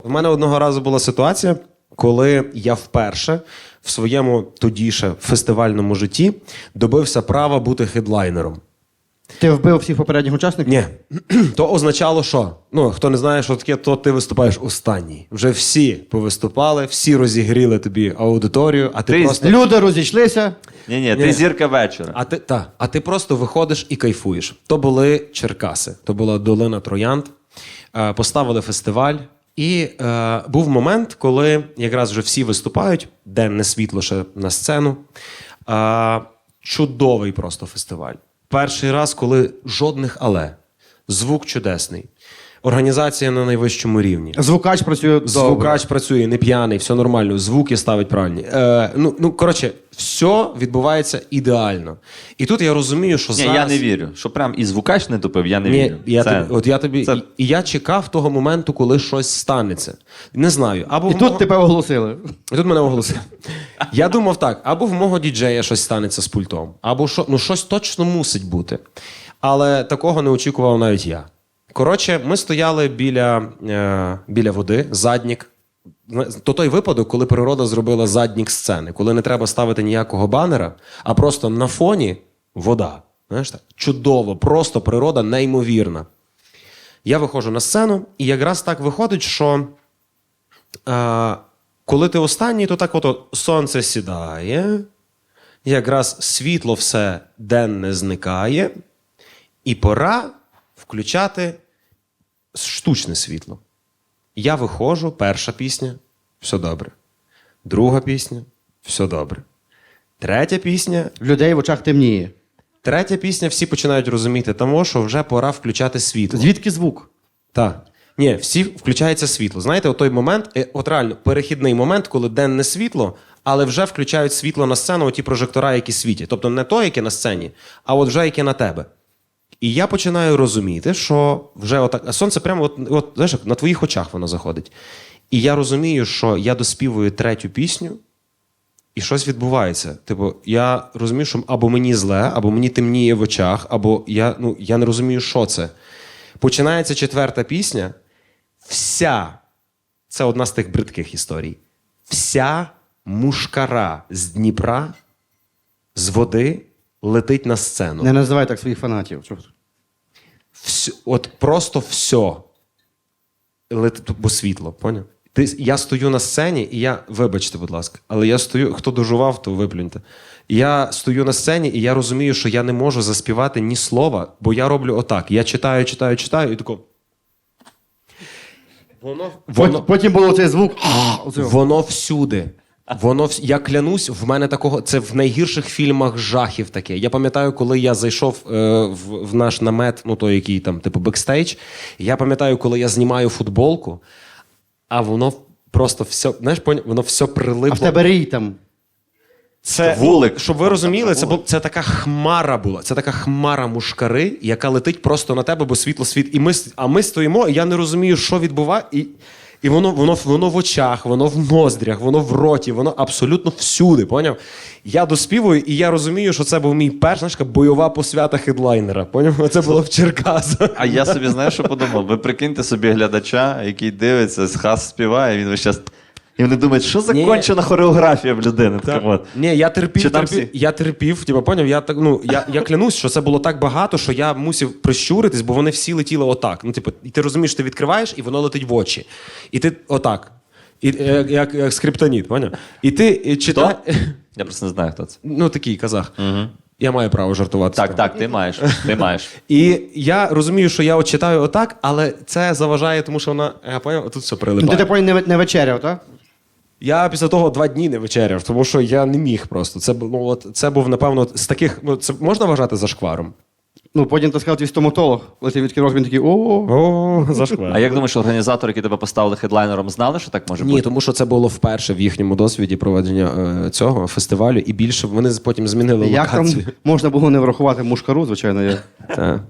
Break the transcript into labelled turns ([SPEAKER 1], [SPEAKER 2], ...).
[SPEAKER 1] У мене одного разу була ситуація, коли я вперше в своєму тоді ще фестивальному житті добився права бути хедлайнером.
[SPEAKER 2] Ти вбив всіх попередніх учасників?
[SPEAKER 1] Ні. То означало, що? Ну, хто не знає, що таке, то ти виступаєш останній. Вже всі повиступали, всі розігріли тобі аудиторію, а ти просто...
[SPEAKER 2] Люди розійшлися.
[SPEAKER 3] Ні, ти зірка вечора.
[SPEAKER 1] А ти просто виходиш і кайфуєш. То були Черкаси, то була долина Троянд. Поставили фестиваль. І був момент, коли якраз вже всі виступають, денне світло ще на сцену. Чудовий просто фестиваль. Перший раз, коли жодних але. Звук чудесний. Організація на найвищому рівні.
[SPEAKER 2] Звукач працює добре.
[SPEAKER 1] Звукач працює, не п'яний, все нормально, звуки ставить правильні. Коротше, все відбувається ідеально. І тут я розумію, що зараз...
[SPEAKER 3] Я не вірю. Що прям і звукач не тупив, я не вірю.
[SPEAKER 1] І я чекав того моменту, коли щось станеться. Не знаю.
[SPEAKER 2] І тут тебе оголосили.
[SPEAKER 1] І тут мене оголосили. Я думав так, або в мого діджея щось станеться з пультом, або щось точно мусить бути. Але такого не очікував навіть я. Коротше, ми стояли біля води, заднік. То той випадок, коли природа зробила заднік сцени, коли не треба ставити ніякого банера, а просто на фоні вода. Знаєш так? Чудово, просто природа неймовірна. Я виходжу на сцену, і якраз так виходить, що коли ти останній, то так сонце сідає, якраз світло все денне зникає, і пора включати штучне світло. Я виходжу, перша пісня – все добре. Друга пісня – все добре. Третя пісня –
[SPEAKER 2] В людей в очах темніє.
[SPEAKER 1] Третя пісня, всі починають розуміти тому, що вже пора включати світло.
[SPEAKER 2] Звідки звук?
[SPEAKER 1] Так. Ні, всі включається світло. Знаєте, от той момент, от реально, перехідний момент, коли денне світло, але вже включають світло на сцену, оті прожектора, які світять. Тобто не то, яке на сцені, а от вже яке на тебе. І я починаю розуміти, що вже отак, а сонце прямо знаєш, на твоїх очах воно заходить. І я розумію, що я доспівую третю пісню, і щось відбувається. Типу, я розумію, що або мені зле, або мені темніє в очах, або я не розумію, що це. Починається четверта пісня. Це одна з тих бридких історій. Вся мушкара з Дніпра, з води, летить на сцену.
[SPEAKER 2] Не називай так своїх фанатів.
[SPEAKER 1] От просто все. Бо світло, поняв? Я стою на сцені, і вибачте, будь ласка, але я стою, хто дожував, то виплюньте. Я стою на сцені, і я розумію, що я не можу заспівати ні слова, бо я роблю отак. Я читаю, і тако...
[SPEAKER 2] Потім було цей звук.
[SPEAKER 1] Воно всюди. Я клянусь, в мене такого... Це в найгірших фільмах жахів таке. Я пам'ятаю, коли я зайшов в наш намет, той, який там, типу, бекстейдж, я пам'ятаю, коли я знімаю футболку, а воно просто все, знаєш, воно все прилипло.
[SPEAKER 2] А в тебе рій там.
[SPEAKER 1] Це
[SPEAKER 3] вулик.
[SPEAKER 1] Щоб ви розуміли, це така хмара була. Це така хмара мушкари, яка летить просто на тебе, бо світло світ. А ми стоїмо, і я не розумію, що відбувається. І воно в очах, воно в ноздрях, воно в роті, воно абсолютно всюди, поняв? Я доспівую, і я розумію, що це був мій перша бойова посвята хедлайнера. Поняв? Це було в Черкасах.
[SPEAKER 3] А я собі, знаєш, що подумав? Ви прикиньте собі глядача, який дивиться, Хас співає, він весь час... І вони думають, що за кончена хореографія в людини.
[SPEAKER 1] Ні, я терпів, поняв? Я клянусь, що це було так багато, що я мусив прищуритись, бо вони всі летіли отак. І ти розумієш, ти відкриваєш, і воно летить в очі. І ти отак. Як скриптоніт, поняв? І ти читаєш...
[SPEAKER 3] Я просто не знаю, хто це.
[SPEAKER 1] Такий казах. Угу. Я маю право жартувати.
[SPEAKER 3] Так, ти маєш.
[SPEAKER 1] І я розумію, що я читаю отак, але це заважає, тому що вона, я поняв, тут все прилипає.
[SPEAKER 2] Ти не вечеряв, так?
[SPEAKER 1] Я після того 2 дні не вечеряв, тому що я не міг просто. Це був, напевно, з таких... Це можна вважати зашкваром?
[SPEAKER 2] Потім ти сказав, твій стоматолог, коли ти відкрив рот, він такий
[SPEAKER 1] О, зашквар.
[SPEAKER 3] А як думаєш, організатори, які тебе поставили хедлайнером, знали, що так може бути?
[SPEAKER 1] Ні, тому що це було вперше в їхньому досвіді проведення цього фестивалю, і більше вони потім змінили локацію.
[SPEAKER 2] Як там можна було не врахувати мушкару, звичайно,
[SPEAKER 1] Так.